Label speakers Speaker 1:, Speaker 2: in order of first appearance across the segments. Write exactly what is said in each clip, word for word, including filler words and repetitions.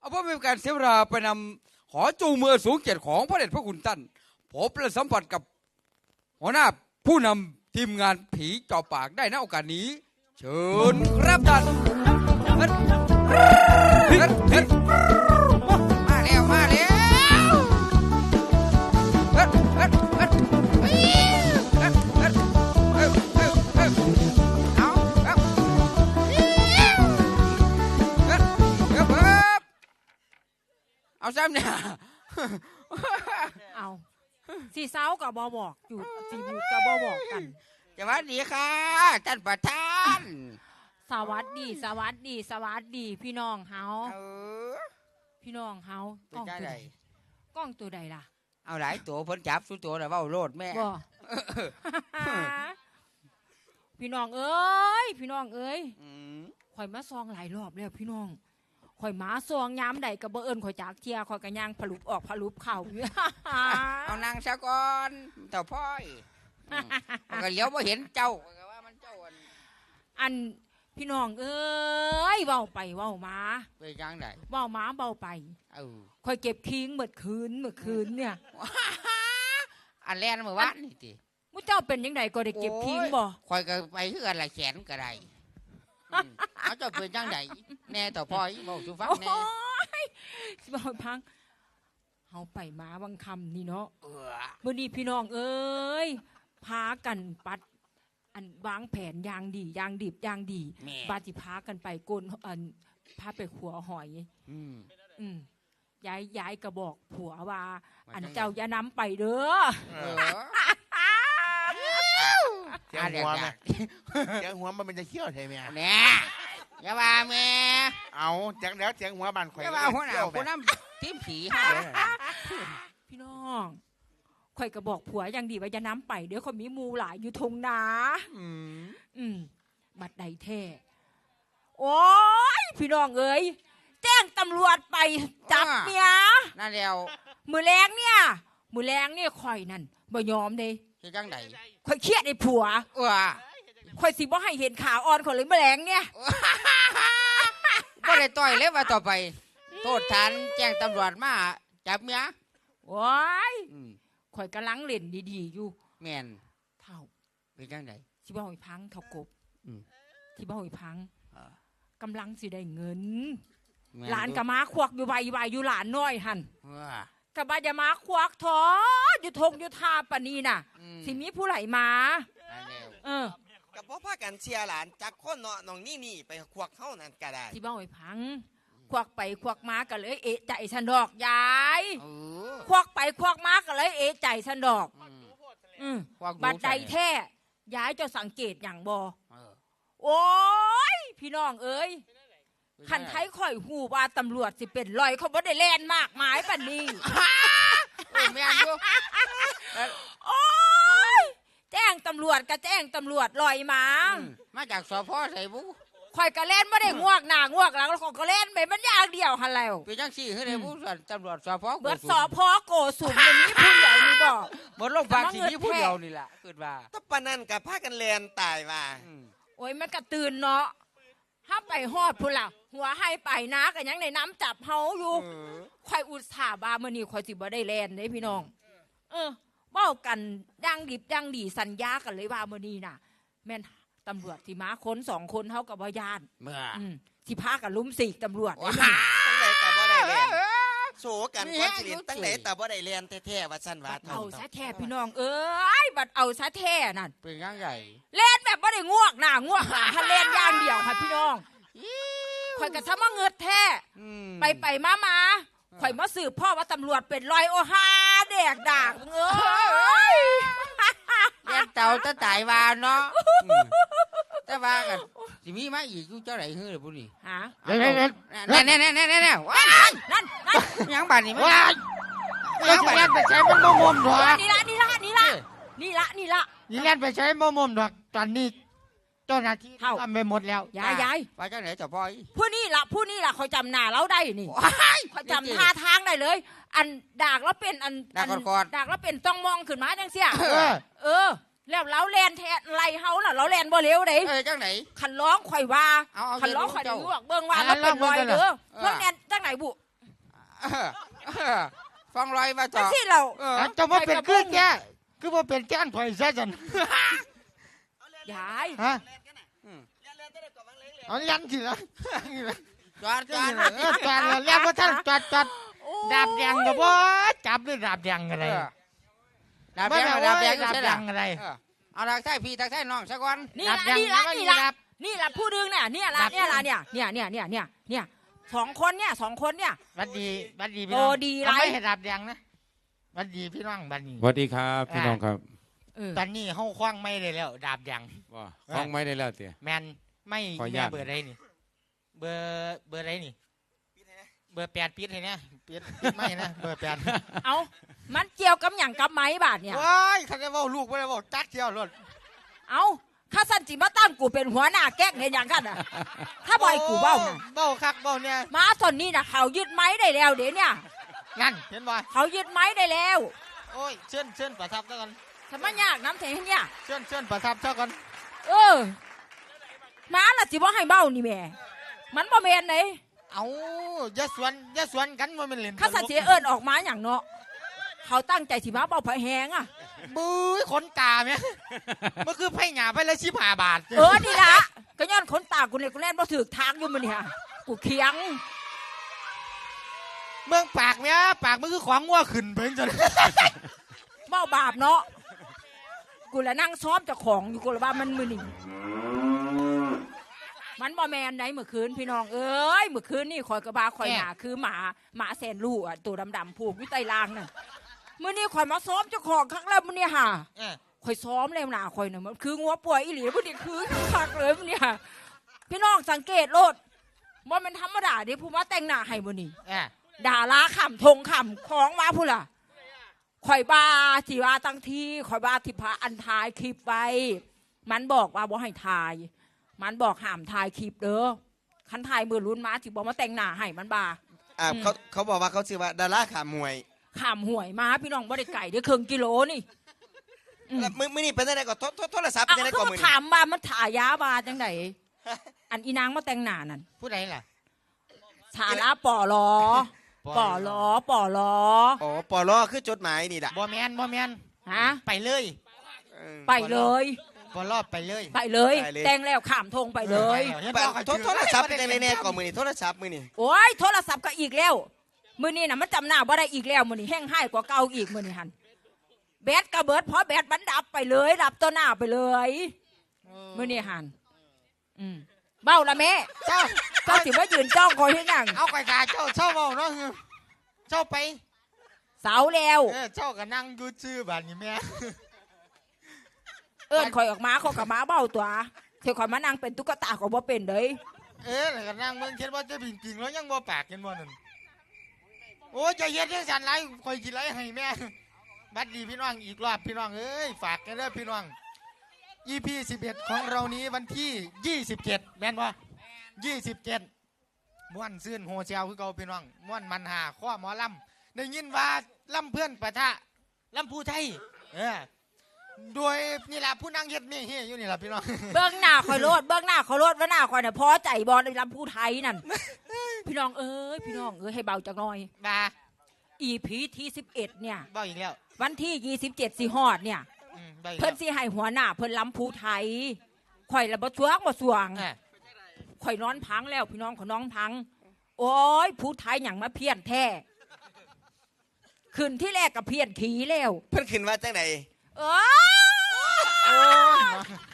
Speaker 1: เอาเพื่อเป็นการเสียเวลาไปนำขอจูงมือสูงเกียรติของพระเดชพระคุณท่านพบและสัมผัสกับหัวหน้าผู้นำทีมงานผีจ่อปากได้ณโอกาสนี้เชิญครับท่านมาแล้วมาแล้วเอาซ้ำเนี่ย
Speaker 2: เอาสีเสากับบอบอกอยู่สีบุกกับบอบอกกัน
Speaker 1: สวัสดีค่ะท่านประธาน
Speaker 2: สวัสดีสวัสดีสวัสดีพี่น้องเฮาพี่น้องเฮากล้องตัวใดกล้องตัวใดล่ะ
Speaker 1: เอาหลายตัวพ้นจับสู้ตัวแต่ว่าโลดแม่
Speaker 2: บ่พี่น้องเอ้ยพี่น้องเอ้ยข่อยมาซองหลายรอบแล้วพี่น้องข่อยหมาซองย้ำใดกับเบอร์เอิญข่อยจากเทียข่อยกระย่างผลุบออกผลุบเข่า
Speaker 1: เอานางซะก่อนเต่าพ่อยก็เลี้ยวมาเห็นเจ้าว่ามันเจ้า
Speaker 2: อันพี่น้องเอ้ยเบาไปเบามา
Speaker 1: ไปยังไหน
Speaker 2: เบามาเบาไปข่อยเก็บคิงเมื่อคืนเมื่อคืนเนี่ย
Speaker 1: อันแรกเมื่อวานนี่ที
Speaker 2: มุ้เจ้าเป็นยังไงก็ได้เก็บคิงบ่
Speaker 1: ข่อยก็ไปเพื่ออะไรแขนก็ได้เอาจะเป็นยังไงแน่ต่อพ่อยบอกสุฟังแน่
Speaker 2: บอกพังเอาไปมาบางคำนี่เนาะเมื่อนี้พี่น้องเอ้ยพากันปัดอันวางแผนยางดียางดิบยางดีบาจิพากันไปโกนอันพาไปขัวหอยอืมอืมย้ายย้ายกระบอกผัวว่าอันเจ้าอย่าน้ำไปเด้อ
Speaker 3: เสียงหัวไหมเสียงหัวมันเป็นจะเขี้ยวใช่ไหม
Speaker 1: เนี่ยอย่าว่าแม่
Speaker 3: เอาจังแล้วเสียงหัวบันข่อย
Speaker 1: อย่าว่าหัวหน้าคนน้ำทีมผี
Speaker 2: พี่น้องข่อยกระบอกผัวยังดีว่าอย่าน้ำไปเดี๋ยวคนมีมูหลายอยู่ทงนาอืมอืมบัดใดแท้โอ้ยพี่น้องเอ้ยแจ้งตำรวจไปจับเมีย
Speaker 1: นั่นเดียว
Speaker 2: มือแรงเนี่ยมือแรงเนี่ยข่อยนั่นบ่ยอมเลย
Speaker 1: คือจังได
Speaker 2: ข่อยเครียดไอ้ผัว
Speaker 1: เออ
Speaker 2: ข่อยสิบ่ให้เห็นขาอ่อนคนเลยมือแรงเนี่ย
Speaker 1: บ่ได้ต่อยเลยว่าต่อไปโทษฐานแจ้งตำรวจมาจับเมีย
Speaker 2: ว้ายข่อยกำลังเล่นดีๆอยู่
Speaker 1: แม่น
Speaker 2: เท่า
Speaker 1: เป็นจังได
Speaker 2: ที่บ้านหอยพังเท่ากบที่บ้านหอยพังกำลังสิได้เงินหลานกับม้าควักอยู่ใบใบอยู่หลานน้อยหันกับบ้านจะม้าควักท้ออยู่ทงอยู่ทาปนีน่ะสิมีผู้ไหลมา
Speaker 4: เออกับพ่อพากันเชียร์หลานจากคนเนาะน้องนี่นี่ไปควักเข้านั่นก็ได้
Speaker 2: ที่บ้านหอยพังควักไปควักมาก็เลยเอะใจสันดอกยายควักไปควักมาก็เลยเอะใจสันดอกบัดใดแท้ยายจะสังเกตอย่างบอโอ้ยพี่น้องเอ้ยคันไทยข่อยหูว่าตำรวจสิเป็นลอยเขาบ่ได้แล่นมากมายปันนี้
Speaker 1: ไม่อันดู
Speaker 2: โอ้ยแจ้งตำรวจก็แจ้งตำรวจลอยมา
Speaker 1: มาจากสพใส่บุ
Speaker 2: ข่อยก็เล่นไม่ได้งวกหน้างวกหลังแล้วข่อยก็เล่นไปมันยากเดียวหันแล้ว
Speaker 1: เป็นจังสี่คือในผู้ส่วนตำรวจสพ
Speaker 2: เบิดสพโกสุมอย่างนี้ผู้ใหญ่นี่บอก
Speaker 1: หมดโรงพยาบาลที่นี่ผู้เดียวนี่แหละเกิดว่า
Speaker 4: ตบปนันกับพากันแลนตายว่า
Speaker 2: โอ้ยมันกระตื่นเนาะถ้าไปฮอดพุ่นล่ะหัวให้ไปนะกันยังในน้ำจับเฮาอยู่ข่อยอุตส่าห์บามื้อนี้ข่อยสิบ่ได้แล่นเด้พี่น้องเออเว้ากันดังดิบดังดีสัญญากันเลยว่ามื้อนี้น่ะแม่นตำรวจที่มาคนสองคนเท่ากับว่ายาน
Speaker 1: เมื่อ
Speaker 2: ที่พากันลุ้มสีกตำรวจ
Speaker 4: ตั้งแต่แต่บ่ได้เรียนโศกันก้อนสิรินตั้งแต่แต่บ่ได้เรียนแท้ๆว่าสั้นว่า
Speaker 2: เอาซะแท้พี่น้องเอ้ยบัดเอาซะแท้นั่น
Speaker 1: เป็นยังไง
Speaker 2: เล่นแบบบ่ได้งวกหน้างวกหลังถ้าเล่นอย่างเดียวค่ะพี่น้องข่อยกระทำมาเงิดแท้ไปไปมามาข่อยมาสืบพ่อว่าตำรวจเป็นรอยโอฮาเด็กด่างเอ้ย
Speaker 1: เลี้ยงเต่าจะตายวานเนาะแต่ว่ากันสิมีมาอีกกูเจ้าไหนเฮ้ยพวกนี้
Speaker 2: ฮะ
Speaker 1: นั่นนั่นนั่นนั่นนั่นนั่นนั่น
Speaker 2: นั่น
Speaker 1: ยังบ้านนี่มั้ย
Speaker 3: ยังไปไปใช้มันโมมดอก
Speaker 2: นี่ละนี่ละนี่ละนี่ละนี่ละ
Speaker 3: นี่เล่นไปใช้โมมดอกตอนนี้เจ้าหน้าที่ทำไปหมดแล้ว
Speaker 2: ยายยาย
Speaker 1: ไปเจ้าไหนเจ้าพ่อย
Speaker 2: ผู้นี่ละผู้นี่ละเขาจำหน้าเราได้นี่เขาจำท่าทางได้เลยอันดากแล้วเป็นอัน
Speaker 1: ดากก่อน
Speaker 2: ดากแล้วเป็นต้องมองขึ้นมาจังเสียเออแล้วเราแลนแทนไรเฮาล่ะเราแลนบ่เร็วเด้
Speaker 1: เออจังไหน
Speaker 2: ขันร้องข่อยว่าขันร้องข่อยได้รู้เบิ่งว่าเราเป็นรอยเด้อเบิ่งแลนจังไหนบุ
Speaker 1: เออเออฟังลอยมา
Speaker 2: จั
Speaker 1: จ่
Speaker 2: ง
Speaker 1: อ
Speaker 2: ซี่เรา
Speaker 1: เออ
Speaker 3: เอาเจ้ามาเป็นคือแกคือว่าเป็นแก้นข่อยซะจัน
Speaker 2: ยาย
Speaker 3: ฮะ
Speaker 1: อืม
Speaker 3: เอายันสิละ
Speaker 1: จอดจอด
Speaker 3: เออจอดแล้วแล้วว่าท่านจอดจอด
Speaker 2: โอ้
Speaker 3: ดาบแดงกับว่าจับด้วยดาบแดงอะไร
Speaker 1: เออดาบแดง
Speaker 3: ไม่
Speaker 1: ดาบแดง
Speaker 3: ดาบ
Speaker 1: ใช่
Speaker 3: แด
Speaker 1: หรอง
Speaker 3: อะไร
Speaker 1: เออเอาทักทายพี่ทักทายน้องสักวัน
Speaker 2: นี่
Speaker 3: ดา
Speaker 2: ละ
Speaker 3: บแดง
Speaker 2: นี่ละ
Speaker 3: ไม่
Speaker 2: นี่
Speaker 3: มี
Speaker 2: ละ
Speaker 3: ดาบ
Speaker 2: นี่ละผู้ดึงเนี่ยเนี่ยละ
Speaker 3: ดาบ
Speaker 2: เนี่ยละเนี่ยเนี่ยเนี่ยเนี่ยเนี่ยเนี่ยสองคนเนี่ยสองคนเนี่ย
Speaker 3: บัดดีบัดดีพี่
Speaker 2: โอ้
Speaker 3: น้อง
Speaker 2: ดีไร
Speaker 3: เอาไม่ให้ดาบแดงนะบัดดีพี่น้องบัดนี้
Speaker 5: สวัสดีครับพี่น้องครับ
Speaker 2: เออ
Speaker 3: ตอนนี้ห้องคว้างไม่ได้แล้ว ดาบแดง
Speaker 5: ว่าฟ้องไม่ได้แล้วเตี๋ย
Speaker 3: แมนไม่
Speaker 5: ขออนุ
Speaker 3: แม่
Speaker 5: ญาต
Speaker 3: เบอร์ไรนี่ เบอร์เบอร์ไรนี่ เบอร์แปดปิดให้เนี่ยปิดปิดไม่นะเบอร์แปด
Speaker 2: เอามันเกี่ยวกับอย่างกับไม้บาทเนี่ย
Speaker 3: ว้ายเขาจะว่าลูกไม่ได้ว่าจัดเที่ยวรถ
Speaker 2: เอาข้าสันจิมาตั้งกูเป็นหัวหน้าแก๊กเห็นอย่างกันอ่ะถ้าบ่อยกูเบ้าน่ะ
Speaker 3: เบ้าคักเบ้าเนี่ย
Speaker 2: มาตอนนี้นะเขายึดไม้ได้แล้วเดี๋ยวเนี่ย
Speaker 3: นั่นเห็นบ่
Speaker 2: เขายึดไม้ได้แล้ว
Speaker 3: โอ้ยเชิญเชิญประทับเท่ากัน
Speaker 2: ทำไมยากน้ำเทเนี่ย
Speaker 3: เชิญเชิญประทับเท่ากัน
Speaker 2: เออมาละสิบ่ให้เบ้านี่แม่มันบ่แม่นไหน
Speaker 3: เอาอย่าสวนอย่าสวนกันว่ามันเล่น
Speaker 2: ข้าสันจิเอิญออกมาอย่างเนาะเขาตั้งใจสิมาเบ้าไผแหงอ่ะ
Speaker 3: บุ้ยขนตาเนี่ยมันคือไผ่หยาไปเลยชิบห้าบาท
Speaker 2: เออนี่ละก็ย้อนขนตากูเนี่ยกูแล่นบ่ถือทางอยู่มันเนี่ยกูเคียง
Speaker 3: เมืองปากเนี่ยปากมันคือของงัวขึ้นเพิ่งจน
Speaker 2: เบ้าบาปเนาะกูละนั่งซ้อมเจ้าของอยู่กูละว่ามันมือนี่มันบ่แมนไหนเมื่อคืนพี่น้องเอ้ยเมื่อคืนนี่คอยกระบาคอยหนาคือหมาหมาแสนลูกอ่ะตัวดำๆผูกอยู่ใต้รางน่ะมื่อนี้คอยมาซ้อมเจ้าของครั้งแล้วมื่อนี้ห่า
Speaker 3: เออ
Speaker 2: คอยซ้อมแล้วหนาคอยน่ะมันคืองัวป่วยอีหลีมื่อนี้คือคักเลยมื่อนี้ห่าพี่น้องสังเกตโลดว่ามันธรรมดาเด้ผู้มาแต่งหน้าให้มื่อนี้
Speaker 3: เออ
Speaker 2: ด่าลาขำทงขำของมาพูดล่ะข่อยบาที่ว่าตั้งที่ข่อยบาที่พาอันทายคลิปไว้มันบอกว่าบ่ให้ทาย มันบอกห้ามทายคลิปเด้อคันทายมือรุ่นมาที่บอกมาแต่งหน้าให้มันบา
Speaker 4: อ่า
Speaker 2: อืม
Speaker 4: เขาเขาบอกว่าเขาชื่อว่าดาราขามวย
Speaker 2: ขามห่วยมาพี่น้องบ่ได้ไก่เด้อครึ่งกิโลนี่อืม
Speaker 4: แล้วมือมือนี่เป็นยังไงก่อนโทรโทรโทรศัพท์
Speaker 2: เอา
Speaker 4: เป็นยังไง
Speaker 2: ก็
Speaker 4: ก่อน
Speaker 2: มา
Speaker 4: มือนี่
Speaker 2: ถามว่ามันถ่ายยาบาจังไดอันอีนางมาแต่งหน้านั่น
Speaker 3: ผู้ใดล่ะ
Speaker 2: สาระป่อลอป่อลอป่อลอ
Speaker 4: อ๋อปอลอคือจดหมายนี่แหละ
Speaker 3: บ่แมนบ่แมน
Speaker 2: ฮะ
Speaker 3: ไปเลย
Speaker 4: เออ
Speaker 2: ไปเลย
Speaker 3: บ่รอบไปเลย
Speaker 2: ไปเลย
Speaker 4: ไปเลย
Speaker 2: แต่งแล้วขามทงไปเลย
Speaker 3: เห็น
Speaker 4: ไป
Speaker 3: บ่
Speaker 4: โทรโทรศัพท์เป็นยังไงแน่ก่อนมือนี่โทรศัพท์มือนี่
Speaker 2: โอ้ยโทรศัพท์ก็อีกแล้วมือนี้น่ะมันจำหน้าบ่ได้อีกแล้วมือนี้แห้งให้กว่าเก่าอีกมือนี้หันแบตกระเบิดเพราะแบตมันดับไปเลยดับตัวหน้าไปเลยมือนี้หันอืมเบ้าละแม่
Speaker 3: เจ้า
Speaker 2: เจ้าสิว่ายืนจ้องคอยให้นั่ง
Speaker 3: เอาไปกาเจ้าเจ้าเมาเนาะเจ้าไป
Speaker 2: เสาแล้ว
Speaker 3: เออเจ้าก็นั่งอยู่ชื่อบ้านนี่แม่
Speaker 2: เอิ้นคอยออกมาเขากับมาเบ้าตัวเที่ยวคอยมานั่งเป็นตุ๊กตาของบ่เป็นเลย
Speaker 3: เออแล้วก็นั่งเมืองเขียนว่าจะบินจริงแล้วยังบ่ปากกันบ่นั่นโอ้ยใจเย็นจังซั่นไรคอยกินไรให้แม่บัดดีพี่น้องอีกรอบพี่น้องเอ้ยฝากกันเด้อพี่น้อง อี พี สิบเอ็ดของเรานี้วันที่ยี่สิบเจ็ดแม่นบ่ยี่สิบเจ็ดม่วนซื่นโฮเซลคือเก่าพี่น้องม่วนมันหาข้อหมอลำได้ยินว่าลำเพื่อนปะทะลำผู้ไทยเออโดยนี่แหละผู้นั่งเฮ็ดเมี่ยเฮียอยู่นี่แหละพี่น้อง
Speaker 2: เบื้องหน้าคอยโลดเบื้องหน้าคอยโลดว่าหน้าคอยน่ะพอใจบอลในลำพูไทยนั่นพี่น้องเอ้ยพี่น้องเอ้ยให้เบาจักหน่อย
Speaker 3: มา
Speaker 2: อีพีที่สิบเอ็ดเนี่ย
Speaker 3: เบ้าอีกแล้ว
Speaker 2: วันที่ยี่สิบเจ็ดสิฮอดเนี่ย
Speaker 3: อืมเบ้าอีก
Speaker 2: เพิ่
Speaker 3: แล้
Speaker 2: น
Speaker 3: ว
Speaker 2: สิให้หัวหน้าเพิ่นล้ำภูไทยข่อยละบ่สวงบ่สวง
Speaker 3: เออ
Speaker 2: ข่อยนอนพังแล้วพี่น้องข่อยน้องพัง โอ้ยภูไทยหยังมาเพี้ยนแท้ขึ้นที่แรกกับเพี้ยนขี่แล้ว
Speaker 4: เพิ่นขึ้นว่าจังไหน
Speaker 2: เออ
Speaker 3: โอ้ย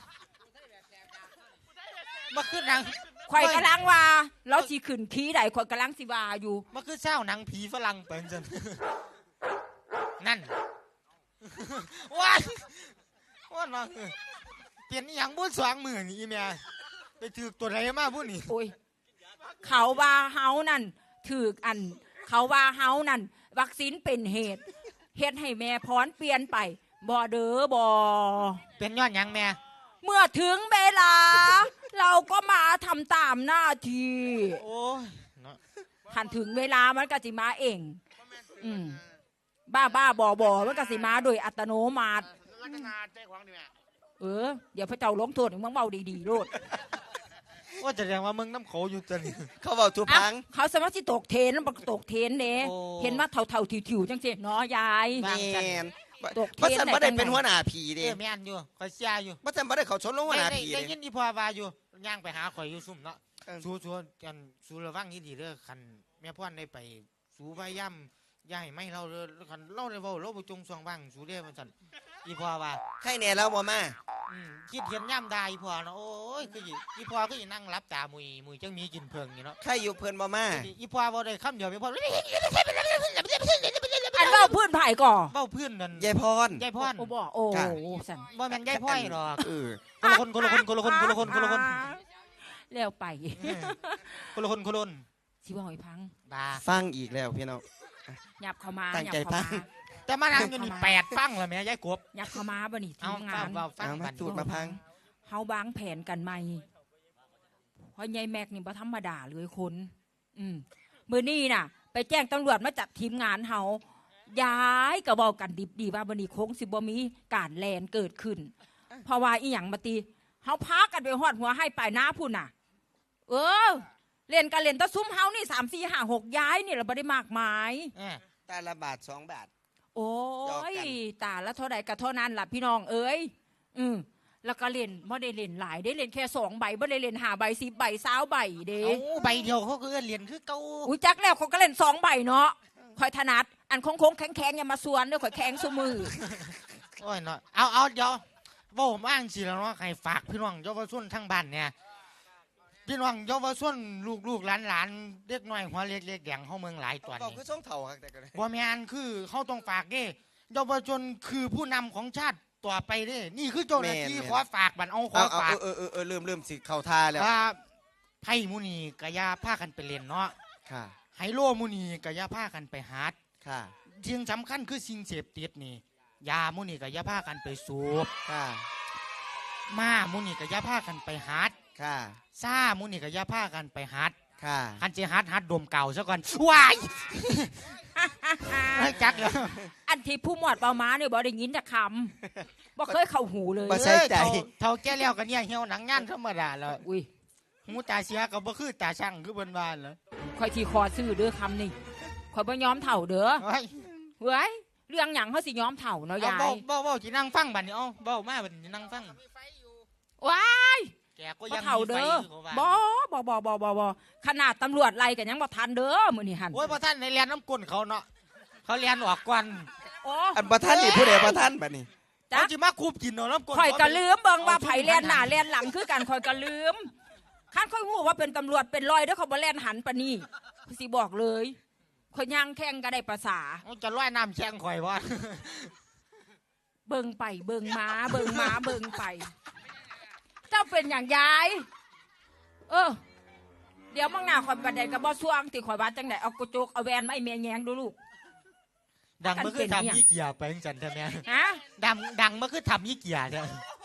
Speaker 3: มาขึ้นหนัง
Speaker 2: ข่อยกำลังว่าเราสิขึ้นขี่ได้ข่อยกำลังสิว่าอยู่
Speaker 3: มาขึ้นเศร้าหนังผีฝรั่งเปิ่นจันนั่นว้ายว้านมาเปลี่ยนอหย่างบุญสวางมือนี่อีเมียไปถือตัวไหนมาบุญนี่
Speaker 2: โอ้ยเขาว่าเฮานั่นถือกอัน เขาว่าเฮานั่นวัคซีนเป็นเหตุเฮ็ดให้แม่พรเปลี่ยนไปบ่เด้อบ่
Speaker 3: เป็นย้อนหยังแม่
Speaker 2: เมื่อถึงเวลา เราก็มาทำตามหน้าที่
Speaker 3: โอ้ยเนาะ
Speaker 2: หันถึงเวลามันก็สิมาเองอืมบ้าบ้าบอบอมันก็สิมาโดยอัตโนมัติเออเดี๋ยวพระเจ้าล้มโทษมึงเบาดีๆโลด
Speaker 3: ว่าจะแสดงว่ามึงน้ำเขาอยู่ตัวนี้
Speaker 4: เขาเว้าทุพัง
Speaker 2: เขาสามารถสิตกเทรนบักตกเทรนเด้
Speaker 3: โอ้
Speaker 2: เห็นว่าเท่าๆถิวๆจังซี่เนาะยาย
Speaker 4: แม่น
Speaker 2: ตกเทรน
Speaker 4: บ่ซั่นบ่ได้
Speaker 2: ได้จัง
Speaker 4: เป็นหัวหน้าผี
Speaker 3: เอ
Speaker 4: เด้
Speaker 3: อแม่นอยู่ข่อยเสียอยู่
Speaker 4: บ่ซั่นบ่ได้เขาชนลงหัวหน้า
Speaker 3: ได้
Speaker 4: ผี
Speaker 3: ได้
Speaker 4: เด้
Speaker 3: ยินอีพ่อว่าอยู่ย่างไปหาข่อยอยู่ซุ่มเนาะ
Speaker 4: เออ
Speaker 3: สู้สู้กันสู้ระวังดีๆเด้อคันแม่พ่อนได้ไปสู้พยายามอย่าให้ไม่เราเด้อคันเราได้เว้าเราบ่จงซองบ้างสู้เด้อมันซั่นอีพ่อว่า
Speaker 4: ใครแน่แล้วบ่มา
Speaker 3: อืมคิดเห็นย่ำได้อีพ่อเนาะโอ้ยคืออีอีพ่อก็อีนั่งรับตามุยมุยจังมีกินเพิงอยู่เนาะ
Speaker 4: ใครอยู่เพิ่นบ่มา
Speaker 3: อีพ่อบ่ได้คำเดียวอีพ่อ
Speaker 2: อันเว้าพื้นไผ่ก่อ
Speaker 3: เบ้าพื้นนั่น
Speaker 4: ยายพร
Speaker 3: ยายพร
Speaker 2: โอ้บ่โอ้
Speaker 4: จ้ะ
Speaker 2: สั่น
Speaker 3: บ่แม่นยายพ่อยหรอก
Speaker 4: เออ
Speaker 3: คนละคนคนละคนคนละคนคนละคนคนละคน
Speaker 2: แล้วไป
Speaker 3: เออคนละคนคนละคน
Speaker 2: สิบ่ให้พัง
Speaker 3: บา
Speaker 4: ฟังอีกแล้วพี่น้อง
Speaker 2: ยับเข้ามา
Speaker 4: ตั้ง
Speaker 2: ยับ
Speaker 4: ใจ
Speaker 2: เข้า
Speaker 4: ฟั
Speaker 2: มาง
Speaker 3: แต่มานั่งอยู่นี่แปดฟังแล้วแม่ยายกบ
Speaker 2: ยับเข้ามาบ่นี่
Speaker 3: เอา
Speaker 2: ทีมงา
Speaker 3: เฝ้าน เฝ้าฟัง
Speaker 4: เอามา
Speaker 3: บัด
Speaker 4: ตูดมาพัง
Speaker 2: เฮาวางแผนกันใหม่เพราะยายแม็กนี่บ่ธรรมดาเลยคน อืมมื้อนี้น่ะ ไปแจ้งตำรวจมาจับทีมงานเฮาย้ายก็เว้ากันดิบดีว่าบ่นี้คงสิบ่มีการแลนเกิดขึ้น เพราะว่าอีหยังมาตีเฮาพากันไปฮอดหัวให้ปลายหน้าพุ่นน่ะ เออ เล่นกันเล่นแตะซุ้มเฮานี่สาม สี่ ห้า หกย้ายนี่เราบ่ได้มากมาย
Speaker 3: เออ
Speaker 4: ตาละบาทสองบาท
Speaker 2: โอ้
Speaker 4: หยอก
Speaker 2: ย
Speaker 4: กัน
Speaker 2: ตาละเท่าใดก็เท่านั้นล่ะพี่น้องเอ้ยอืมแล้วก็เล่นบ่ได้เล่นหลายได้เล่นแค่สองใบบ่ได้เล่นห้าใบสิบใบสามใบเด้
Speaker 3: เอาใบเดียวเขาก็เอิ้นเหรียญคือเก่า
Speaker 2: อุ้ยจักแล้วเขาก็เล่นสองใบเนาะข่อยถนัดอันโค้งๆแข็งๆอย่ามาสวนเด้อข่อยแข็งซุมือ
Speaker 3: โอ้ยเนาะเอาเอาเดี๋ยวเว้าผมอ้างสิแล้วเนาะให้ฝากพี่น้องเยาวชนทั้งบ้านเนี่ยพี่น้องเยาวชนลูกๆหลานๆเด็กน้อยหัวเล็กๆแดงเฮาเมืองหลายตอน
Speaker 4: บอก
Speaker 3: นี้
Speaker 4: คือส่งเถ่าครับแต่ก็ได้
Speaker 3: บ่แม่นคือเขาต้องฝากเด้เยาวชนคือผู้นำของชาติต่อไปเด้นี่คือเจ้าหน้าที่ขอฝากบัดเอาขอ
Speaker 4: เอาเอา
Speaker 3: ฝาก
Speaker 4: เออเออเออเริ่มเริ่มสิเข้าท่าแล้ว
Speaker 3: ว่าไพ่มุนีกะยาพากันไปเล่นเนาะ
Speaker 4: ค่ะ
Speaker 3: ไฮโลมุนีกะยาพากันไปหาด
Speaker 4: ค่ะ
Speaker 3: สิ่งสำคัญคือสิ่งเสพติดนี่ยามุนีกะยาพากันไปสูบ
Speaker 4: ค่ะ
Speaker 3: ม้ามุนีกะยาพากันไปหาด
Speaker 4: ค่ะ
Speaker 3: ซ่ามุนีกะยาพากันไปหาด
Speaker 4: ค่ะ
Speaker 3: คันสิหัดหัดดมเก่าซะก่อนว้ายให้จักแล้ว
Speaker 2: อันที่ผู้หมวดเปาม้าเนี่ยบ่ได้ยินจากคำบ่เคยเข้าหูเลย
Speaker 4: บ่ใส่ใจ
Speaker 3: เอ้ยเท่าเท่าแก่แล้วกันเนี่ยเหี่ยวหนังงานธรรมดาแล้ว
Speaker 2: อุ้ย
Speaker 3: หูตาเสียก็บ่คือตาช่างคือเบิ่นว่าแล้ว
Speaker 2: ข่อยที่คอซื้อเด้อคำนี่ข่อยบ่ยอมเถ่าเด้อ
Speaker 3: เฮ้ย
Speaker 2: เฮ้ยเรื่องหยังเขาสิยอมเถ่าเนาะ
Speaker 3: เอา
Speaker 2: ยาย
Speaker 3: เบ้าเบ้าเบ้าสินั่งฟังบัดนี้เอาเบ้ามาบัดนี้นั่งฟัง
Speaker 2: ว้าย
Speaker 3: แกก็
Speaker 2: บ่
Speaker 3: ยัง
Speaker 2: เถ่า
Speaker 3: มีไฟ
Speaker 2: เด้อ
Speaker 3: อยู่เขาว่า
Speaker 2: บ่บ่บ่บ่บ่บ่ขนาดตำรวจไล่กันยังบ่ทันเด้อมื้อนี้หั่น
Speaker 3: โอ้ยพอท่านในเรียนน้ำก้นเขาเนาะเขาเรียนออกก่อน
Speaker 2: โอ้
Speaker 4: อันประท่านนี่ผู้ใดประท่านบัดนี้
Speaker 2: จ๊ะ
Speaker 3: เขาจิมาคูบกินเนาะน้ำก้น
Speaker 2: ข่อยก็ลืมเบิ่งว่า
Speaker 3: อ
Speaker 2: ไผแล่นหน้าแล่นหลังคือกันข่อยก็ลืมคันข่อยฮู้ว่าเป็นตำรวจเป็นร้อยเด้อเขาบ่แล่นหันปานนี้สิบอกเลยข่อยย่างแข่งก็ได้ภาษา
Speaker 3: เอาจะร้อยน้ำแช่งข่อยว่า
Speaker 2: เบิ่งไปเบิ่งมาเบิ่งมาเบิ่งไป เจ้าเป็นอย่างยาย เออ เดี๋ยวมั่งหน้าข่อยบัดใดก็บ่ซ่วงที่ข่อยว่าจังไดเอากระจกเอาแวนมาให้แม่แยงดูลูก
Speaker 3: ดังเมื่อคือ
Speaker 2: กันเป็นเนี่ย
Speaker 3: ทำยี่เกียร์ไปจังจันใช่ไหม
Speaker 2: ฮะ
Speaker 3: ดังดังเมื่อคือทำยี่เกียร์ใช่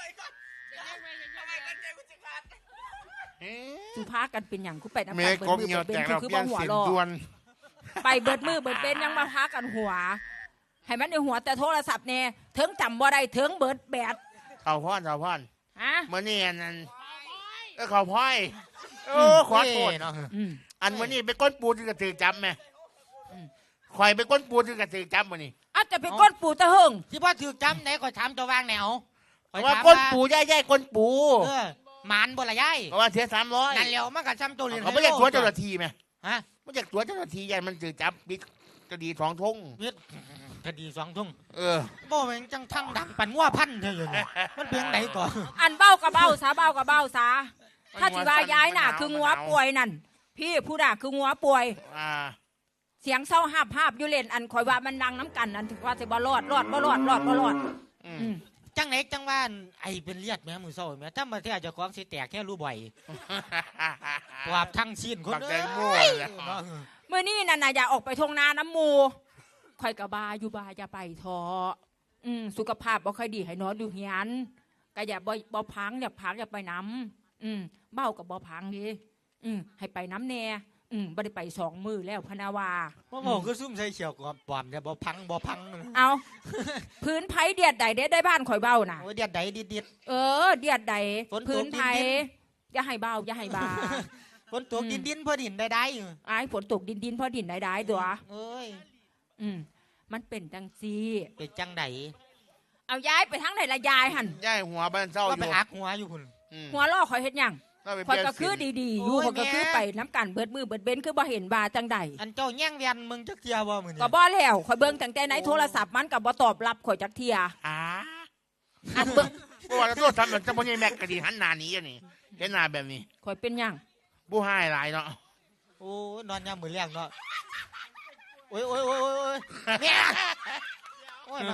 Speaker 2: สุภากันเป็นอย่างกูไปน้ำ
Speaker 6: เม
Speaker 2: กัน
Speaker 6: ย์
Speaker 2: เบิด
Speaker 6: กบ
Speaker 2: มือ
Speaker 6: เหงียว
Speaker 2: เบิด
Speaker 6: แต
Speaker 2: เป็น
Speaker 6: ก
Speaker 2: คือ
Speaker 6: เรา
Speaker 2: คือ
Speaker 6: เปลี่ย
Speaker 2: บ่
Speaker 6: น
Speaker 2: หัว
Speaker 6: สิน
Speaker 2: รอ
Speaker 6: ด่วน
Speaker 2: ไปเบิดมือเบิดเป็นยังมาพากันหัว ให้มันในหัวแต่โทรศัพท์เนี่ยถึงจำบ่ได้ถึงเบิดแบด
Speaker 6: เขาพ่อนเขาพ่อน
Speaker 2: ฮะ
Speaker 6: เมื่อนี่อันนั้นเออเขาพ่อยโอ้ขอโทษ
Speaker 3: เนาะ
Speaker 2: อืม
Speaker 6: อันมื่อนี่ไปก้นปูที่กระตือจับไหมคอยไปก้นปูที่กระตือจับมื่อนี่
Speaker 2: อาจจะเป็นก้นปูตะหึง
Speaker 3: ที่พ่อถือจำไหนข่อยถามเจะวางแนวข่อย
Speaker 6: ว่า
Speaker 3: ถาม
Speaker 6: ก้น
Speaker 3: ว่า
Speaker 6: ปูย่ายย่ายก้นปู
Speaker 3: เออหมานบ่ละยาย
Speaker 6: เพราะว่าเสียสามร้อย
Speaker 3: นั่นแล้วมันก็จำตัวเรียน
Speaker 6: เขาไม่อยากตัวเจ้าหน้าที่ไหม
Speaker 3: ฮะ
Speaker 6: ไม่อยากตัวเจ้าหน้าที่ยันมันตือจับบิ๊กกระดีสองทง
Speaker 3: เฮ็ดคดีสองทุ่ง
Speaker 6: เออ
Speaker 3: บ่แม่งจังทั้งดังปั่นงัวพันเธออยู่นี่มันเป็นไหนก่อน
Speaker 2: อันเบ้ากับเบ้าซาเบ้ากับเบ้าซาถ้าสิว่าย้ายน่ะ คืองัวป่วยนั่นพี่ผู้น่ะคืองัวป่วย
Speaker 6: อ่า
Speaker 2: เสียงเศร้าหาบหาบอยู่เล่นอันคอยว่ามันดังน้ำกันอันถึงว่าสิบ่รอดรอดบ่รอดรอดบ่รอด
Speaker 6: อื
Speaker 2: อื
Speaker 6: ม
Speaker 2: ม
Speaker 3: จังไหนจังว่าไอเป็นเลียดแม่มือเศร้าแม่ถ้ามาเที่ยวเจะของสิแตกแค่รู้บ่อยปราบทั้งสิ้นคน
Speaker 6: บักแต
Speaker 3: เอ้
Speaker 6: ง
Speaker 3: ย
Speaker 6: โมเลย
Speaker 2: เมื่อนี้นั่นน่ะอย่าออกไปทงนาน้ำหมูคอยกะบาอยู่บาอย่าไปทออืมสุขภาพบ่ค่อยดีให้นอนอยู่เฮียนก็อย่าบ่บ่พังอย่าพังอย่าไปน้ำอืมเบ้ากับบ่พังดิอืมให้ไปน้ำแน่อืมบ่ได้ไปสองมือแล้วพะนาวา
Speaker 3: พ่อบอกคือซุ่มใส่เขียวกับปอมเนี่ยบ่พังบ่พัง
Speaker 2: เอา พื้นไผเดียดใดได้ได้บ้านข่อยเบ้าน่ะ
Speaker 3: โอ้ยเดียดใดดิดดิด
Speaker 2: เออ เดียดใด
Speaker 3: ฝนตก
Speaker 2: พื้นไผ
Speaker 3: ดิน
Speaker 2: อย่าให้เบาอย่าให้บา
Speaker 3: ฝนตกดินดินพอดินได้ได้อยู่
Speaker 2: ไอ้ฝนตกดินดินพอดินได้ได้ตัว
Speaker 3: เอ้ย
Speaker 2: อืมมันเป็นจังซี
Speaker 3: เป็นจังได
Speaker 2: เอาย้ายไปทางไหนละยายหัน
Speaker 6: ย่ายหัวบ้านเศร้าอ
Speaker 3: ก็ไป
Speaker 6: ยู่
Speaker 3: อักหัวอยู่คุณ
Speaker 6: อืม
Speaker 2: หัวล่อคอยเฮ็ดหยัง
Speaker 6: เราไป
Speaker 2: คอย
Speaker 6: เปลี่ยน
Speaker 2: ก็คือ
Speaker 6: สี
Speaker 2: ดีๆอยู่
Speaker 3: โอ้ย
Speaker 2: คอยก็คือ
Speaker 3: แม่
Speaker 2: ไปน้ำกันเบิดมือเบิดเบนคือบ่เห็นบาจังใด
Speaker 3: อันเจ้าแย่งเวียนมึงจักเทียบ่มื้อนี้
Speaker 2: ก็บ่แล้วคอยเบิ่งตั้งแต่ไหนโทรศัพท์มันก็บ่ตอบรับข่อยจักเที่ย
Speaker 6: อ่า
Speaker 2: อันเบิ่ง
Speaker 6: เพราะว่าเราตัวทำแบบเจ้าพ่อใหญ่แม็กก็ดีหันหน้าหนี้อันนี้เห็นหน้าแบบนี้
Speaker 2: ข่อยเป็นหยัง
Speaker 6: ผู้ให้หลายเนาะ
Speaker 3: โอ้ยนอนยามมื้อแลงเนาะโอ้ยโอ้ยโอ้ยโอ้ยโอ้ยแม่โอ้ยมา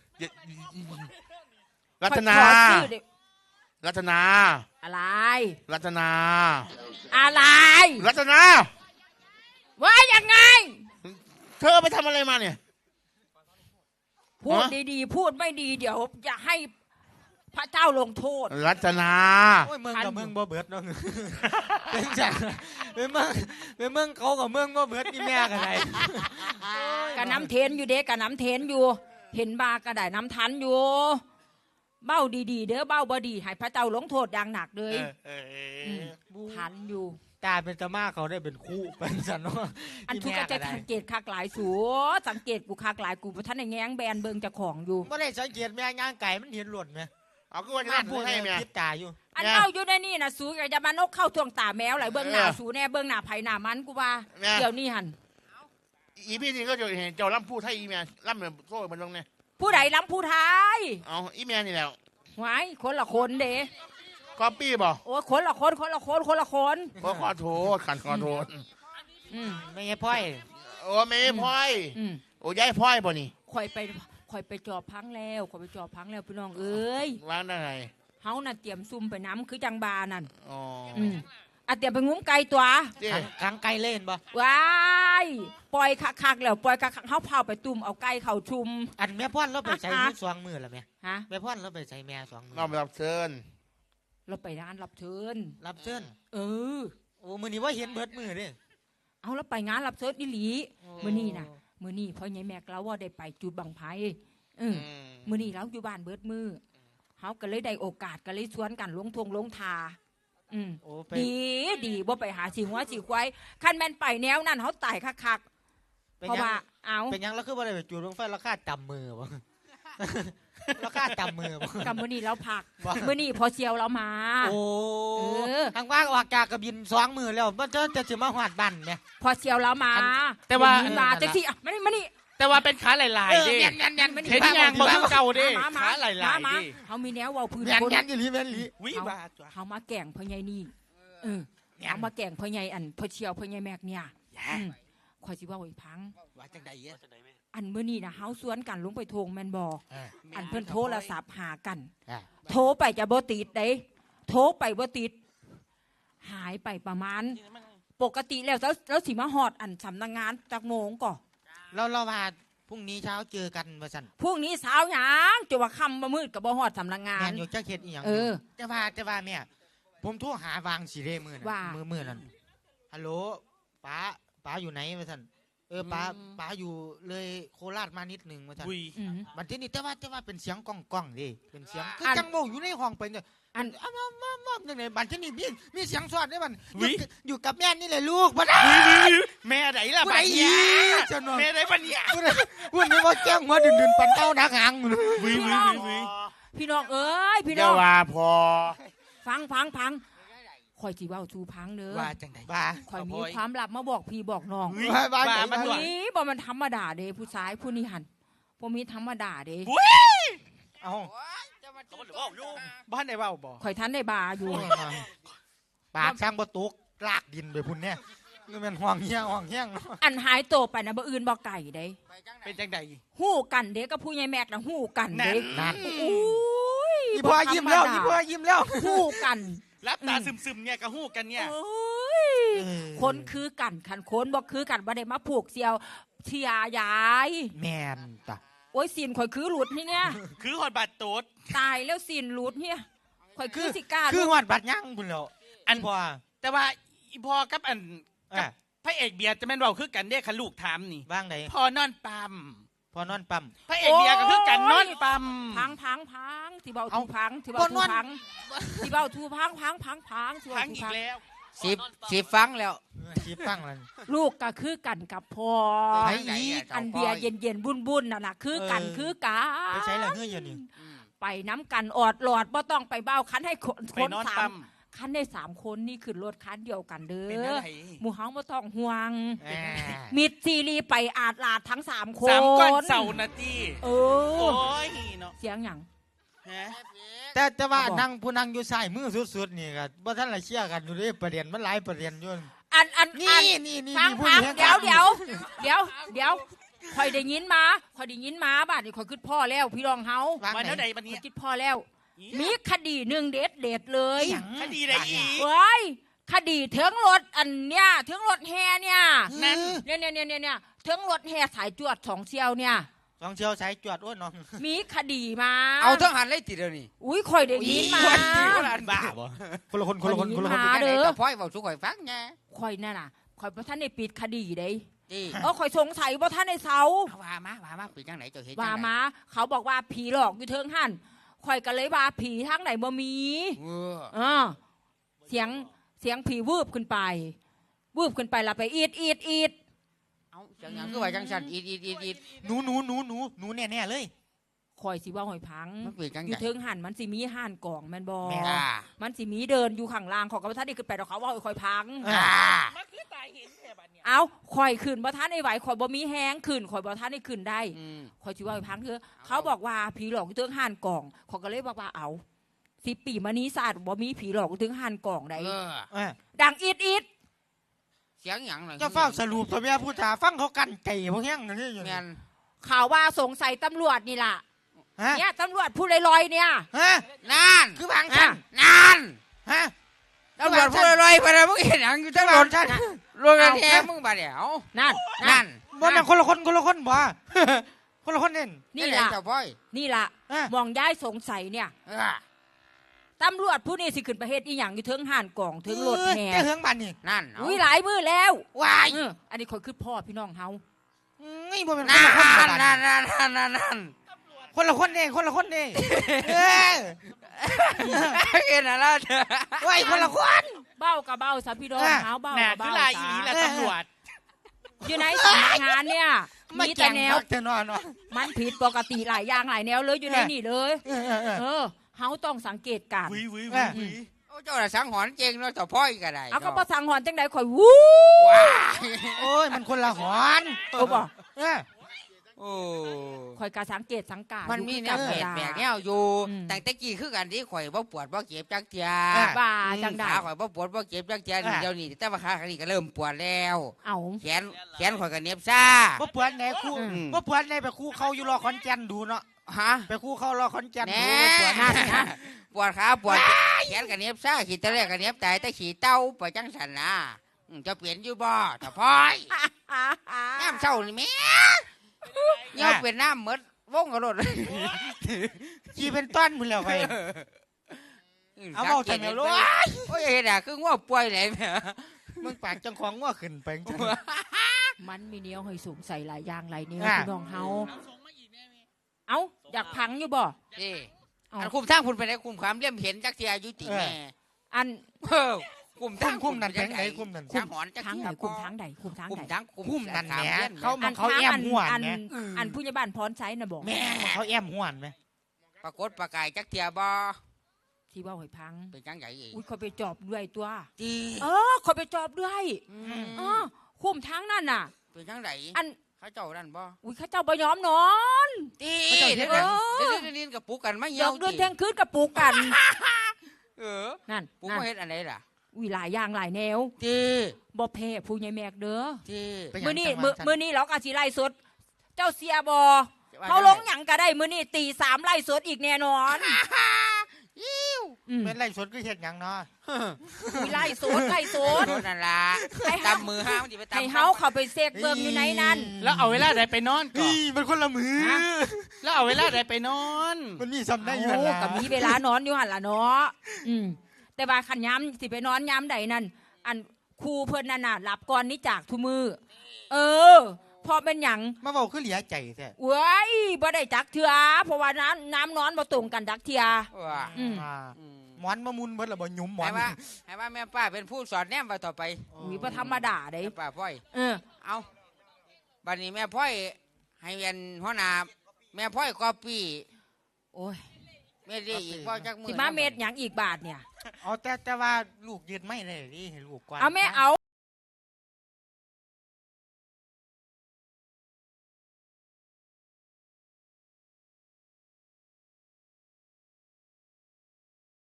Speaker 6: รัต
Speaker 2: ข่อย
Speaker 6: นา
Speaker 2: ขอชื่อเด้
Speaker 6: รัตนา
Speaker 2: อะไร
Speaker 6: รัตนา
Speaker 2: อะไร
Speaker 6: รัตนา
Speaker 2: ว่ายังไง
Speaker 6: เธอไปทำอะไรมาเนี่ย
Speaker 2: พูด
Speaker 6: ฮะ
Speaker 2: ดีๆ พูดไม่ดีเดี๋ยวจะให้พระเจ้าลงโทษ
Speaker 6: รัตนา
Speaker 3: โอ้ยเมืองกับเมืองบ่เบิดเนาะเป็นจังเป็นเมืองเป็นเมืองเขากับเมืองบ่เบิดนี่แม่กันได
Speaker 2: กะน้ำเทนอยู่เด้กะน้ำเทนอยู่ เห็นบากระได้น้ำทันอยู่ เบ้าดีๆ เด้อเบ้าบดีให้พระเจ้าลงโทษอย่างหนักเลย
Speaker 6: เออเออ
Speaker 2: มทันอยู่
Speaker 3: ตาเป็นตะมาเขาได้เป็นคู่เป็นสันเนาะ
Speaker 2: อันทุกก็จะสังเกตคักหลายสูสังเกตกูคักหลายกูเพราะท่านในแง้งแบนเบิงเจะของอยู่
Speaker 3: บ่ได้สังเกตแม่ย่างไก่มันเห็นหล่นไหม
Speaker 6: เอาก็ว่าจะพูดให้แม่
Speaker 3: คิดตาอยู่
Speaker 2: อันเบ้าอยู่ในนี่นะสูก็จะมานกเข้าทวงตาแมวไหลเบิงหน้าสูแน่เบิงหน้าไผ่หน้ามันกูว่า
Speaker 6: แม่
Speaker 2: เดี๋ยวนี้หัน
Speaker 6: อีพี่นี่ก็จะเห็นเจ้าล่ำพูดให้อีแม่ล่ำเหมือนโซ่มันลงเนี่ย
Speaker 2: ผู้ใดล้ำผู้ท้าย
Speaker 6: เอาอีแม่นี่แหละ
Speaker 2: ไว้คนละคนเด้
Speaker 6: ก๊อปปี้บ่
Speaker 2: โอ้ยคนละคนคนละคนคนละคน
Speaker 6: ขอขอโทษขันขอโทษ
Speaker 2: อืม
Speaker 3: ไม่ใช่พ่อย
Speaker 6: โอ้ไม่พ่อย
Speaker 2: อืม
Speaker 6: โอ้ยายพ่อยบ่นี่
Speaker 2: ข่อยไปข่อยไปจอบพังแล้วข่อยไปจอบพังแล้วพี่น้องเอ้ย
Speaker 6: วางได้ไง
Speaker 2: เฮาน่ะเตรียมซุ่มไปน้ำคือจังบานั่น
Speaker 6: อ๋อ
Speaker 2: อืมอ่ะเตรียมไปงุ้มไก่ตัว
Speaker 6: เจ๊
Speaker 3: กลางไก่เล่นบ่
Speaker 2: ว้ายปล่อยคักๆแล้วปล่อยคักๆเฮาเผาไปตุ่มเอาไก่เข้าชุม
Speaker 3: อันแม่พ่อนเราไปใส่มือสองมือละแม่
Speaker 2: ฮะ
Speaker 3: แม่พ่อนเราไปใส่แม่สองมือ
Speaker 6: เราไปรับเชิญ
Speaker 2: เราไปร้านรับเชิญ
Speaker 3: รับเชิญ
Speaker 2: เออ
Speaker 3: โอ้มือนี้ว่าเห็นเบิดมือเด้
Speaker 2: เอาแล้วไปงานรับเชิญอีหลีมื้อนี้น่ะมื้อนี้พ่อใหญ่แม็กเราว่าได้ไปจุดบังไผเออ
Speaker 6: อืม
Speaker 2: มื้อนี้เราอยู่บ้านเบิดมือเฮาก็เลยได้โอกาสก็เลยชวนกันลงทงลงทาอืม
Speaker 3: โอ้ไป
Speaker 2: ดีดีบ่ไปหาสิงว่าสิควายคันแม่นไปแนวนั้นเฮาตายคักๆ
Speaker 3: เป็น
Speaker 2: เพราะ
Speaker 3: ยัง
Speaker 2: ว่าเอา
Speaker 3: เป็นยังแล้วคือว่าได้ไปจูดลงไฟราคาจำมือบ่ ราคาจำมือบ่
Speaker 2: กับมื้อนี้เราพัก
Speaker 3: ว่า
Speaker 2: มื้อนี้พอเชียวเรามา
Speaker 3: โอ้
Speaker 2: เออ
Speaker 3: ทางว่าออกจากกระบินสองมือแล้วมันจะจะสิมาหอดบ้านแม่
Speaker 2: พอเชียวเรามา
Speaker 7: แต่ว่า
Speaker 2: เดี๋ยนี้มาจังซี่อ่ะมานี่มานี่
Speaker 7: แต่ว่าเป็นขาหลายๆเด้
Speaker 3: ยันยันยัน
Speaker 7: เห็นยางบ่คือเก่าเด้
Speaker 2: มามา
Speaker 7: ขาหลาย
Speaker 2: มา
Speaker 7: ๆ
Speaker 2: มา
Speaker 7: เด้
Speaker 2: เฮามีแนวเว้าพื้น
Speaker 3: ยัน
Speaker 2: คน
Speaker 3: ยันอยู่ลีแม่นลี
Speaker 7: วิ
Speaker 2: เฮา
Speaker 7: บาจ้ะ
Speaker 2: เฮามาแก่งพ่อใหญ่นี่เออเฮามาแก่งพ่อใหญ่อันพ่อเชียวพ่อใหญ่แม็กเนี่ยอืมข่อยสิเว้าให้พัง
Speaker 3: ว่าจังได๋เอ้
Speaker 2: อันมื้อนี้น่ะเฮาสวนกันลงไปโทงแม่นบ่
Speaker 3: เออ
Speaker 2: อันเพิ่นโทรศัพท์หากัน
Speaker 3: เออ
Speaker 2: โทรไปจะบ่ติดเด้โทรไปบ่ติด หายไปประมาณ ปกติแล้วแล้วแล้วสิมาฮอดอันสำนักงานจักโมงก่อ
Speaker 3: เราเราว่าพรุ่งนี้เช้าเจอกันว่าซั่น
Speaker 2: พรุ่งนี้เช้าหยังจะว่าค่ำบ่มืดก็บ่ฮอดสำนักงา
Speaker 3: แม่
Speaker 2: น
Speaker 3: นอยู่จักเฮ็ดอีหยัง
Speaker 2: เออ
Speaker 3: แต่ว่าแต่ว่าแม่ผมโทรหาวางสิเด้มื้อนั้น
Speaker 2: ว่า
Speaker 3: มื้อมื้อนั้นฮัลโหลป้าป้าอยู่ไหนว่าซั่นเออป้าป้าอยู่เลยโคราชมานิดหนึงว่าซั่น
Speaker 7: อุ้ย
Speaker 2: อืม
Speaker 3: บัดทีนี้แต่ว่าแต่ว่าเป็นเสียงก้องก้องๆเดิเป็นเสียงคือ
Speaker 2: อัน
Speaker 3: จังโมอยู่ในห้องไปเนี่ย
Speaker 2: อัน
Speaker 3: อ้าวมามามาจังไดบัดทีนี้มีมีเสียงสอดได้มันอ
Speaker 7: วิ
Speaker 3: ยู่อยู่กับแม่นี่แหละลูกบ่ได้
Speaker 7: แม่ไหนล่ะ
Speaker 3: ผู้
Speaker 7: บั
Speaker 3: ใด
Speaker 7: ด
Speaker 3: อี
Speaker 7: เนี้ย
Speaker 3: กจังเนาะ
Speaker 7: แม่ไหนบัดเนี้ย
Speaker 3: ผู้ใดผู้นี้ว่าแจ้งหัวดึนๆปันเต้านักหาง
Speaker 7: วิววิววิว
Speaker 2: พี่น้องเอ้ยพี่
Speaker 6: เดี๋
Speaker 2: น้
Speaker 6: ย
Speaker 2: อ
Speaker 6: ว
Speaker 2: ง
Speaker 6: ว่าพอ
Speaker 2: ฟังฟังฟังข่อยสิเว้าสู่พังเด้อ
Speaker 3: ว่าจังไดว่า
Speaker 2: ข่อยมีความลับมาบอกพี่บอกน้อง
Speaker 3: ว่าว่า
Speaker 7: ว่า
Speaker 3: จัง
Speaker 7: มัน
Speaker 3: ได
Speaker 7: ด้วย
Speaker 2: นี่บ่มันธรรมดาเด้ผู้ชายผู้นี้หันบ่มีธรรมดาเด้
Speaker 3: เอ้า
Speaker 7: บ้านไหนเว้าบ่
Speaker 2: ข่อยทันได้บาอยู่
Speaker 3: ปากช่างบ่ตกลากดินไปพุ่นเนี่ยนี่มันห้องเฮี้ยห้องเฮี้ยงเนาะ
Speaker 2: อันหายโตวไปนะบ่อื่นบ่ไก่เด้
Speaker 7: เป็นจังใด
Speaker 2: ฮู้กันเด้กับผู้ใหญ่แม็กน่ะฮู้กันเด้
Speaker 3: นั่น
Speaker 2: อุ้ย
Speaker 3: อีพ่อยิ้มแล้วอีพ่อยิ้มแล้ว
Speaker 2: ฮู้กัน
Speaker 7: รับตาซึมๆเนี่ยกระหู้กันเนี่ย
Speaker 2: โอ้ยคนคือกันคันคนบ่คือกันบ่ได้มาผูกเสียวเชียยาย
Speaker 3: แม่นตะ
Speaker 2: โอ้ยสินข่อยคือหลุดนี่เนี่ย
Speaker 7: คือหอดบาดโตด
Speaker 2: ตายแล้วสินหลุดเนี่ยข่อยคือสิกล้า
Speaker 3: คือ
Speaker 2: ลูก
Speaker 3: หอดบัดย่างพุ่นแล้ว
Speaker 7: อัน
Speaker 3: พ่อ
Speaker 7: แต่ว่าอีพอกับอันกั
Speaker 3: อ่ะ
Speaker 7: บพระเอกเบียร์จะแม่นเว้าคือกันเด้คันลูกถามนี่
Speaker 3: บ้างได
Speaker 7: พอนอนปั๊ม
Speaker 3: พอนอนปั๊ม
Speaker 7: พระเอกเดียก็คือกันนอนปั๊ม
Speaker 2: พังพังพังที่เบา
Speaker 3: เอา
Speaker 2: ทูพังที่เบา
Speaker 3: บ่น
Speaker 2: ทู
Speaker 3: วล
Speaker 2: พังที่เบาทูพังพังพังพังที่
Speaker 7: พั
Speaker 2: เบาง ทู
Speaker 7: อีก
Speaker 2: พัง
Speaker 7: แล้ว
Speaker 1: สิบสิบฟังแล้ว
Speaker 3: ชีฟังเลย
Speaker 2: ลูกก็คือกันกับพ่อ
Speaker 3: ไปอีก
Speaker 2: อันเบียร์เย็นเย็นบุญบุญน่ะนะคือกัน
Speaker 3: เออ
Speaker 2: คือกัน
Speaker 3: ไปใช้ละเฮืออยู่นี่
Speaker 2: ไปน้ำกันออดหลอดบ่ต้องไปเบ้าคันให้คน
Speaker 7: ไป
Speaker 2: คน
Speaker 7: นอน
Speaker 2: สา
Speaker 7: ปั๊
Speaker 2: ม
Speaker 7: ม
Speaker 2: คันได้สามคนนี่ขึ้นรถคันเดียวกันเด้
Speaker 7: เป็น
Speaker 2: อ
Speaker 7: อะไร
Speaker 2: หมู่เฮาบ่ต้องห่วง
Speaker 3: อ่า
Speaker 2: มิดซีรีไปอาดลาดทั้งสามคน
Speaker 7: สามก้อนเสานาที
Speaker 2: เอ
Speaker 7: โอ้
Speaker 2: อย
Speaker 7: เนาะ
Speaker 2: เสียงหยัง
Speaker 7: ฮะ
Speaker 3: แต่แต่ว่า
Speaker 2: เขาบอก
Speaker 3: นั่งผู้นั่งอยู่ซ้ายมือสุดๆนี่ก็บ่ทันละเชื่อกันอยู่เด้ประเด็นมันหลายประเด็นอยู่
Speaker 2: อันอัน
Speaker 3: นี่
Speaker 2: อัน
Speaker 3: นี่นี่
Speaker 2: ฟัง
Speaker 3: นี่ผู้
Speaker 2: ฟัง
Speaker 3: ลี้
Speaker 2: เดี๋ยว
Speaker 3: กัน
Speaker 2: เดี๋ยวเดี๋ยวเดี๋ยวคอยได้ยินมาคอยได้ยินมาบ้านนี่คอยคิดพ่อแล้วพี่รองเฮา
Speaker 3: ฟัง
Speaker 7: วัน
Speaker 3: ไหน
Speaker 7: เท่าใดบัน
Speaker 2: ค
Speaker 7: นี้
Speaker 2: อยคิดพ่อแล้ว มีคดีหนึ่งเด็ดเด็ดเลย
Speaker 3: หยัง
Speaker 7: คดีอะไรอีก
Speaker 2: เว้ยคดีเถิงรถอันเนี้ยเถิงรถแฮเนี่ย
Speaker 7: นั่น
Speaker 2: เนี่ยเนี่ยเนี่ยเนี่ยเนี่ยเถิงรถแฮสายจวดสองเชียวเนี่ย
Speaker 3: สองเชียวสายจวดโอ้ยน้อง
Speaker 2: มีคดีมา
Speaker 1: เอาทั้งหันเลยติเดียวนี่
Speaker 2: อุ้ยคอยได้ยินมา
Speaker 1: บ้าบ่
Speaker 3: คนละคนคนละคนคนละคน
Speaker 2: มาเด้อ
Speaker 1: แต่พ่อยบอกสุข่อยฟังไง
Speaker 2: คอยนั่นน่ะคอยพระท่านได้ปิดคดีเด้
Speaker 1: จี
Speaker 2: เออคอยสงสัยว่าท่านในเสา
Speaker 1: เอาว่ามาว่ามาปีจังไหนเจ้าเห็น
Speaker 2: ว่ามาเขาบอกว่าผีหลอกอยู่เทิงหันคอยก็เลยว่าผีทางไหนบ่มี
Speaker 1: เออ
Speaker 2: เออเสียงเสียงผีวืบขึ้นไปวืบขึ้นไปและไปอีดอีดอีด
Speaker 1: เอาจังหยังคือว่าจังสันอีดอีดอีดอีด
Speaker 3: หนูหนูหนูหนูหนูแน่แน่ๆเลย
Speaker 2: คอยสิว่าหอยพัง
Speaker 1: มันปีจัง
Speaker 2: อ
Speaker 1: ไหน
Speaker 2: ยู่เทิงหันมันสิมีห่านกล่องแมันบอ
Speaker 3: แม่
Speaker 1: อ่า
Speaker 2: มันสิมีเดินอยู่ข้างล่างของกับท่านนี่ขึ้นไปดอกเขาว่าคอยพัง
Speaker 1: อ่า
Speaker 7: มันคือตายเห็นแค่บัดเนี่ย
Speaker 2: เอาคอยขึ้นบ่ท่านไอ้ไหวคอยบ่มีแห้งขึ้นคอยบ่ท่านไอ้ขึ้นได้
Speaker 1: อืม
Speaker 2: คอยสิว่าหอยพังเถอะเขาบอกว่าผีหลอกอยู่เทิงห่านกล่องเขอยก็เลยบอกว่าเอาสิปีมานี้ศาสตร์บ่มีผีหลอกอยู่เทิงห่านกล่องใด
Speaker 1: เออ
Speaker 3: เออ
Speaker 2: ดังอีดอีด
Speaker 1: เสียงหยังหน่อย
Speaker 3: เจะเฝ้าสรุปตัวเมียผู้จ่าฟังเขากันไก่พวกแห้งนั่นนี่อยู่
Speaker 1: แม
Speaker 3: นี่
Speaker 1: น
Speaker 2: ข่าวว่าสงสัยตำรวจนี่ล่ะ
Speaker 3: ฮะ
Speaker 2: เนี่ยตำรวจผู้ลอยๆเนี่ย
Speaker 3: ฮะ
Speaker 1: นั่น
Speaker 3: คือบางชั้น
Speaker 1: นั่น
Speaker 3: ฮะ
Speaker 1: ตำรวจพูดลอยๆไปเลยมึงเห็นหยังอยู่ทั้งร
Speaker 3: บา
Speaker 1: ถ
Speaker 3: งชั้น
Speaker 1: รถกระแทกมึงบาดเดี๋ยว
Speaker 2: นั่น
Speaker 1: นั่น
Speaker 3: บ่แม่นคนละคนคนละคนบ่ คนละคนเน่น
Speaker 2: นี่
Speaker 1: แหละ
Speaker 2: ล่ะ
Speaker 1: เจ้าพ่อย
Speaker 2: นี่ล่ะ
Speaker 3: ฮะ
Speaker 2: มองย้ายสงสัยเนี่ย
Speaker 1: เออ
Speaker 2: ตำรวจผู้นี้สิขึ้นประเทศอีหยังอยู่เทิงห่านกล่องเทิงรถแห่
Speaker 3: เจ้าเฮืองบ้านนี่
Speaker 1: นั่นเอา
Speaker 2: อุ้ยหลายมือแล้ว
Speaker 3: วาย
Speaker 2: เอออันนี้คอยคือพ่อพี่น้องเฮา
Speaker 3: นี่บ่แม่นค
Speaker 1: นั่
Speaker 3: น
Speaker 1: น
Speaker 3: ละคนบ่
Speaker 1: นั่น
Speaker 3: บ้าน
Speaker 1: นั่นนั่นนั่นนั่น
Speaker 3: คนละคนเน่คนละคนเน่เออ
Speaker 1: เห็นอะไรเถอะ
Speaker 3: ว้ายคนละคน
Speaker 2: เบ้ากับเบ้าสาพี่น้อง
Speaker 3: อ่ะ
Speaker 2: เฮาเบ้า
Speaker 7: น่ะ
Speaker 2: กับ
Speaker 7: คือ
Speaker 2: เบ้า
Speaker 7: ลายอีหลีละ
Speaker 2: จ้า
Speaker 7: ตำรวจ
Speaker 2: อยู่ในสำนักงานเนี่ย
Speaker 3: มา
Speaker 2: มี
Speaker 3: แจ
Speaker 2: แต่
Speaker 3: ง
Speaker 2: แน
Speaker 3: แน
Speaker 2: ว
Speaker 3: วเจ้านอนวะ
Speaker 2: มันผิดปกติหลายอย่างหลายแนวเลยอยู่ใน
Speaker 3: เออ
Speaker 2: นี่เลย
Speaker 3: เออเออเออ
Speaker 2: เออเฮาต้องสังเกตการ
Speaker 7: วิวิ
Speaker 3: เอ
Speaker 7: วิ
Speaker 3: อ
Speaker 7: วิ
Speaker 1: โอ้เจ้าน่ะสังหรณ์เจงเนาะเจ้าพ่อยก็ได้
Speaker 2: เอาก็ประสังหอนจังใดข่อยวู้
Speaker 1: ว้า
Speaker 3: โอ้ยมันคนละหอน
Speaker 2: โอ้บ่
Speaker 3: เออ
Speaker 1: โอ้
Speaker 2: ข่อยก็สังเกตสังการ
Speaker 1: มันมีแนว
Speaker 2: อยู่
Speaker 1: แปลก
Speaker 2: ธรรม
Speaker 1: แปล
Speaker 2: ดาก
Speaker 1: แนวอยู่
Speaker 2: อืม
Speaker 1: แต่แต่กี้คือกันที่ข่อยบ่ปวดบ่เจ็บจักเทีย
Speaker 2: ว่าจังใด
Speaker 1: ขาข่อยบ่ปวดบ่เจ็บจักเทียนี่เดี๋ยวนี้แต่ว่าขาข้างนี้ก็เริ่มปวดแล้ว
Speaker 2: เอา
Speaker 1: แขนแขนข่อยก็เหน็บซ่า
Speaker 3: บ่ปวดไหนคู่
Speaker 1: อืม
Speaker 3: บ่ปวดไหนไปคู่เขาอยู่รอขอนแก่นดูเนาะ
Speaker 1: ฮะ
Speaker 3: ไปคู่เขารอขอนแก่น
Speaker 1: แน่
Speaker 3: ดูปวด
Speaker 2: นั่นนะ
Speaker 1: ปวดขาปวดแขนก็เหน็บซ่าขี้ตะแรกก็เหน็บตายแต่ขี้เต้าไปจังสันนะอืมจะเปลี่ยนอยู่บ่เจ้าพ่อยน้ำเศร้านี่แม่เหี่ยวเป็นน้ำหมดวงกระโดด
Speaker 3: ขี่เป็นต้นมึงแล้วไป เอาเว้าจังเลยลูก
Speaker 1: โอ้ยเห็นอ่ะคือง่วงป่วยไหนแม่
Speaker 3: มึงปากจังของง้อขึ้นไปจัง
Speaker 2: มันมีแนวให้สูงใส่หลายอย่างหลายแนว
Speaker 3: อ่ะ
Speaker 2: พี่น้องเฮาเอ้าอยากพังอยู่บ่
Speaker 1: นี่
Speaker 2: เอา
Speaker 1: อันคุมทางคุณไปไหนคุมความเลี่ยมเห็นจักเทียอายุติแม่
Speaker 2: อัน
Speaker 1: เออคุมทาง
Speaker 3: คุ้มนั่นแพงไหนคุ้มนั่น
Speaker 1: คุมหอนจัก
Speaker 2: ทาง
Speaker 1: เที
Speaker 2: ไหน
Speaker 1: ย
Speaker 2: คุมทางใดคุมทาง
Speaker 1: คุม
Speaker 2: ใด
Speaker 1: ทางคุม
Speaker 3: คุ้มนั่นแห
Speaker 1: สา
Speaker 3: ม
Speaker 1: ลี่ย
Speaker 3: เขา
Speaker 2: อัน
Speaker 3: เขา
Speaker 2: ทาง
Speaker 3: แอม
Speaker 2: อัน
Speaker 3: ห่วน
Speaker 2: อัน
Speaker 3: ไหม
Speaker 2: อันผู้ใหญ่บ้านพรใช้น่ะบอก
Speaker 3: แม่งเขาแอมห่วนไหม
Speaker 1: ปรากฏประกายจักเทียบ่
Speaker 2: ที่ว่าหอยพัง
Speaker 1: เป็นจังใหญ่อีก
Speaker 2: อุ้ยเขาไปจอบด้วยตัว
Speaker 1: ตี
Speaker 2: เออเขาไปจอบด้วย
Speaker 1: อืม
Speaker 2: เออคุมทางนั่นน่ะ
Speaker 1: เป็นจังไหน
Speaker 2: อัน
Speaker 1: เขาเจ้านั่นบ่
Speaker 2: อุ้ยเข้าเจ้าบ่ยอมนอน
Speaker 1: ตี
Speaker 3: เขาเจ้าเฮ็
Speaker 1: เดี๋ย
Speaker 3: ด
Speaker 1: ว
Speaker 3: หยัง
Speaker 1: เดี๋ยวเดี๋ยวเดี๋ยวกับปูกันไม่
Speaker 2: ด
Speaker 1: เหี่ย
Speaker 2: อ
Speaker 1: ว
Speaker 2: กเดือน
Speaker 1: ติ
Speaker 2: เที่ยงคืนกับปลูกกัน
Speaker 1: เออ
Speaker 2: นั่น
Speaker 1: ปู
Speaker 2: นั่น
Speaker 1: มาเฮ็ดอันไหนล่ะ
Speaker 2: อุ้ยหลายอย่างหลายแนว
Speaker 1: ตี
Speaker 2: บ่แพ้ผู้ใหญ่แมกเด้อ
Speaker 1: ตี
Speaker 3: เป็นหยัง
Speaker 2: มื้อนี้
Speaker 3: จังหวะ
Speaker 2: มื้อ
Speaker 3: ฉัน
Speaker 2: มื้อนี้เราก็สิไล่สด เจ้าเสียบ่เขาลงหยังก็ได้มื้อนี้ตีสามไล่สดอีกแน่นอนอืม
Speaker 3: เป็นไรสดก็เห็ดหยังเนาะ
Speaker 2: อุ้ยไล่สดไล่สด
Speaker 1: โดนนั่นล่ะ
Speaker 2: ให้เฮา
Speaker 1: ตำมือห้ามนสิไปตำ
Speaker 2: ให้เฮาเข้าไปเสกเบิ่งอยู่ในนั้น
Speaker 7: แล้วเอาเวลาใดไปนอนก่อน
Speaker 3: นี่มันคนละมือ
Speaker 7: แล้วเอาเวลาใดไปนอน
Speaker 3: มันมีซ้ำได้อยู่
Speaker 2: โอ้
Speaker 3: หั่นล่ะ
Speaker 2: ก็มีเวลานอนอยู่หั่นล่ะเนาะอืมแต่ว่าคันย้ำสิไปนอนย้ำใดนั่นอันครูเพิ่นนั่นน่ะหลับก่อนนี่จากทุมือเออเพราะเป็นหยัง
Speaker 3: มาเว้าคือเหลียใจแท้
Speaker 2: เว้ยบ่ได้จักเถื่อเพราะว่าน้ำน้ำนอนบ่ตรงกันจักเถื่อ
Speaker 1: ว่า
Speaker 2: อืม
Speaker 3: อ่า
Speaker 1: อืม
Speaker 3: หมอนมามุนเบิดและบ่หยุมหมอ
Speaker 1: ให้
Speaker 3: น
Speaker 1: ว่าให้ว่าแม่ป้าเป็นผู้สอนแนมว่าต่อไป
Speaker 2: มีบ่ธรรมดาเด้
Speaker 1: แม่ป้าพ่อย
Speaker 2: เออ
Speaker 1: เอาบัดนี้แม่พ่อยให้เวียนหัวหน้าแม่พ่อยก็ปี
Speaker 2: โอ้ย
Speaker 1: แม่ดีอีกพ่อจักมือ
Speaker 2: สิมาเม็ดหยังอีกบาทเนี่ย
Speaker 3: เอาแต่แต่ว่าลูกยืนไม่ได้ดิให้ลูกก่อน
Speaker 2: เอาแม่เอา